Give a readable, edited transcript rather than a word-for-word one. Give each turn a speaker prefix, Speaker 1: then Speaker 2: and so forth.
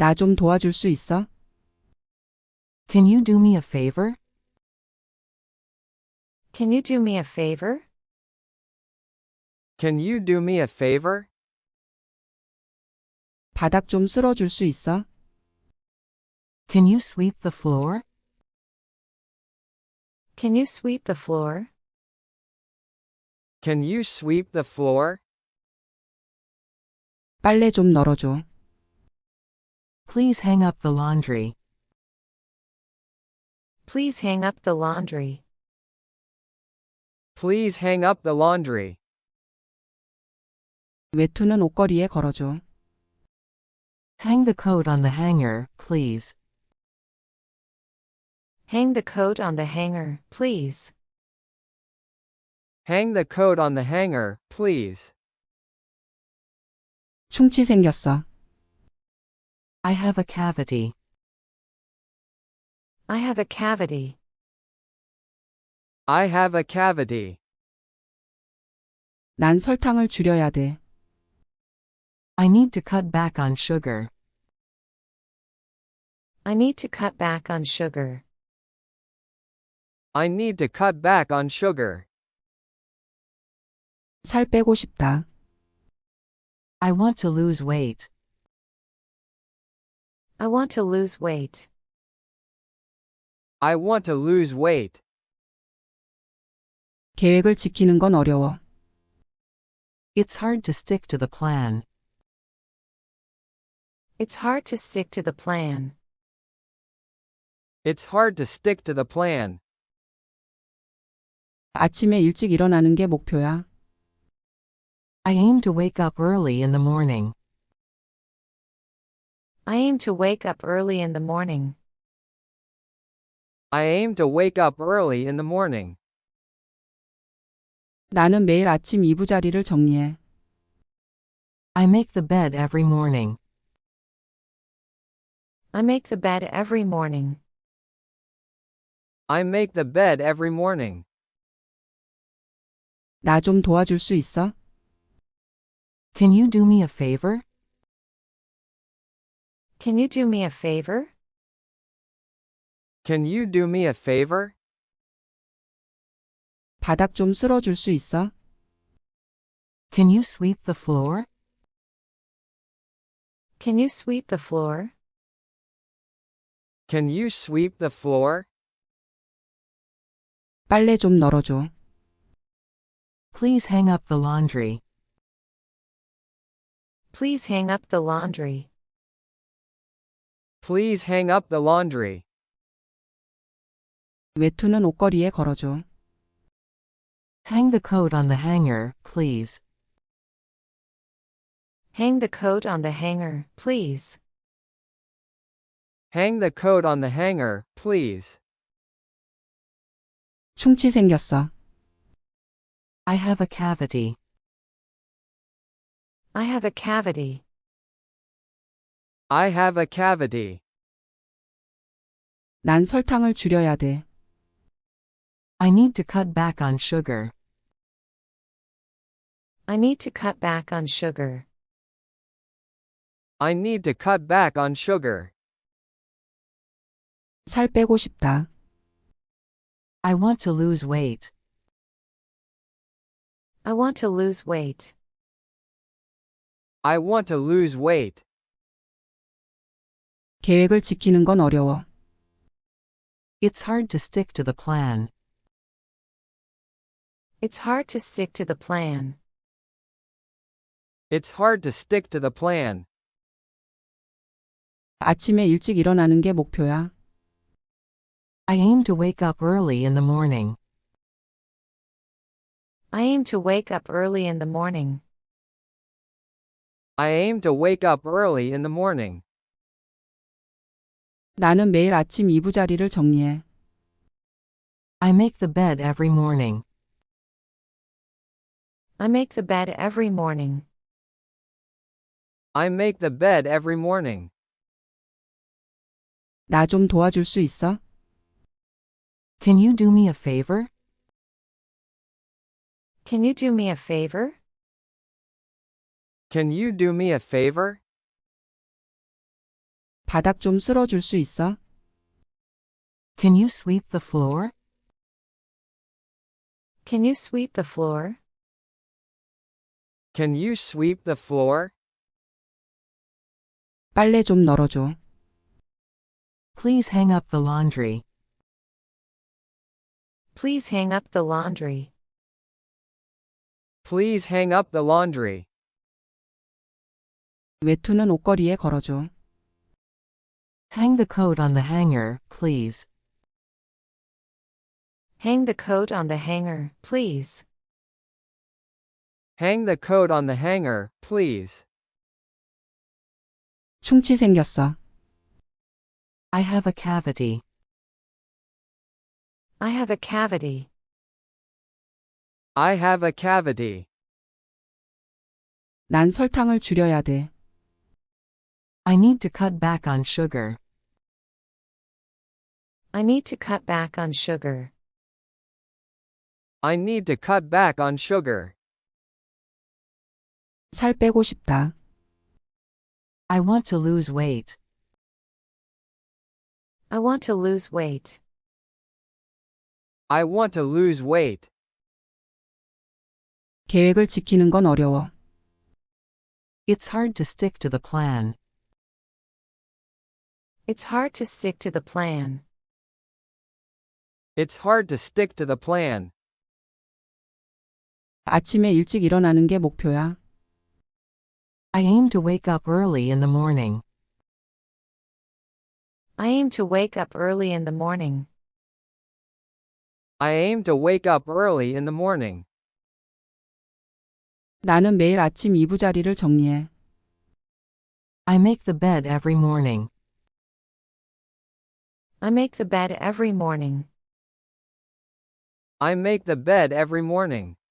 Speaker 1: 나 좀 도와줄 수 있어?
Speaker 2: Can you do me a favor?
Speaker 3: Can you do me a favor?
Speaker 4: Can you do me a favor?
Speaker 1: 바닥 좀 쓸어줄 수 있어?
Speaker 2: Can you sweep the floor?
Speaker 3: Can you sweep the floor?
Speaker 4: Can you sweep the floor?
Speaker 1: 빨래 좀 널어줘.
Speaker 2: Please hang up the laundry.
Speaker 3: Please hang up the laundry.
Speaker 4: Please hang up the laundry.
Speaker 1: 외투는 옷걸이에 걸어줘.
Speaker 2: Hang the coat on the hanger, please.
Speaker 3: Hang the coat on the hanger, please.
Speaker 4: Hang the coat on the hanger, please.
Speaker 1: 충치 생겼어.
Speaker 2: I have a cavity.
Speaker 3: I have a cavity.
Speaker 4: I have a cavity.
Speaker 1: 난 설탕을 줄여야 돼.
Speaker 2: I need to cut back on sugar.
Speaker 3: I need to cut back on sugar.
Speaker 4: I need to cut back on sugar.
Speaker 1: 살 빼고 싶다.
Speaker 2: I want to lose weight.
Speaker 3: I want to lose weight.
Speaker 4: I want to lose weight.
Speaker 1: 계획을 지키는 건 어려워.
Speaker 2: It's hard to stick to the plan.
Speaker 3: It's hard to stick to the plan.
Speaker 4: It's hard to stick to the plan.
Speaker 1: 아침에 일찍 일어나는 게 목표야.
Speaker 2: I aim to wake up early in the morning.
Speaker 3: I aim to wake up early in the morning.
Speaker 4: I aim to wake up early in the morning.
Speaker 1: 나는 매일 아침 이부자리를 정리해.
Speaker 2: I make the bed every morning.
Speaker 3: I make the bed every morning.
Speaker 4: I make the bed every morning.
Speaker 1: 나 좀 도와줄 수 있어?
Speaker 2: Can you do me a favor?
Speaker 3: Can you do me a favor?
Speaker 4: Can you do me a favor?
Speaker 1: 바닥 좀 쓸어줄 수 있어?
Speaker 2: Can you sweep the floor?
Speaker 3: Can you sweep the floor?
Speaker 4: Can you sweep the floor?
Speaker 1: 빨래 좀 널어줘.
Speaker 2: Please hang up the laundry.
Speaker 3: Please hang up the laundry.
Speaker 4: Please hang up the laundry.
Speaker 1: 외투는 옷걸이에 걸어줘.
Speaker 2: Hang the coat on the hanger, please.
Speaker 3: Hang the coat on the hanger, please.
Speaker 4: Hang the coat on the hanger, please.
Speaker 1: 충치 생겼어.
Speaker 2: I have a cavity.
Speaker 3: I have a cavity.
Speaker 4: I have a cavity.
Speaker 1: 난 설탕을 줄여야 돼.
Speaker 2: I need to cut back on sugar.
Speaker 3: I need to cut back on sugar.
Speaker 4: I need to cut back on sugar.
Speaker 1: 살 빼고 싶다.
Speaker 2: I want to lose weight.
Speaker 3: I want to lose weight.
Speaker 4: I want to lose weight.
Speaker 1: 계획을 지키는 건 어려워.
Speaker 2: It's hard to stick to the plan.
Speaker 3: It's hard to stick to the plan.
Speaker 4: It's hard to stick to the plan.
Speaker 1: 아침에 일찍 일어나는 게 목표야.
Speaker 2: I aim to wake up early in the morning.
Speaker 3: I aim to wake up early in the morning.
Speaker 4: I aim to wake up early in the morning.
Speaker 1: 나는 매일 아침 이부자리를 정리해.
Speaker 2: I make the bed every morning.
Speaker 3: I make the bed every morning.
Speaker 4: I make the bed every morning.
Speaker 1: 나 좀 도와줄 수 있어?
Speaker 2: Can you do me a favor?
Speaker 3: Can you do me a favor?
Speaker 4: Can you do me a favor?
Speaker 1: 바닥 좀 쓸어줄 수 있어?
Speaker 2: Can you sweep the floor?
Speaker 3: Can you sweep the floor?
Speaker 4: Can you sweep the floor?
Speaker 1: 빨래 좀 널어줘.
Speaker 2: Please hang up the laundry.
Speaker 3: Please hang up the laundry.
Speaker 4: Please hang up the laundry.
Speaker 1: 외투는 옷걸이에 걸어줘.
Speaker 2: Hang the coat on the hanger, please.
Speaker 3: Hang the coat on the hanger, please.
Speaker 4: Hang the coat on the hanger, please.
Speaker 1: 충치 생겼어.
Speaker 2: I have a cavity.
Speaker 3: I have a cavity.
Speaker 4: I have a cavity.
Speaker 1: 난 설탕을 줄여야 돼.
Speaker 2: I need to cut back on sugar.
Speaker 3: I need to cut back on sugar.
Speaker 4: I need to cut back on sugar.
Speaker 1: 살 빼고 싶다.
Speaker 2: I want to lose weight.
Speaker 3: I want to lose weight.
Speaker 4: I want to lose weight.
Speaker 1: 계획을 지키는 건 어려워.
Speaker 2: It's hard to stick to the plan.
Speaker 3: It's hard to stick to the plan.
Speaker 4: It's hard to stick to the plan.
Speaker 1: 아침에 일찍 일어나는 게 목표야.
Speaker 2: I aim to wake up early in the morning.
Speaker 3: I aim to wake up early in the morning.
Speaker 4: I aim to wake up early in the morning.
Speaker 1: 나는 매일 아침 이부자리를 정리해.
Speaker 2: I make the bed every morning.
Speaker 3: I make the bed every morning.
Speaker 4: I make the bed every morning.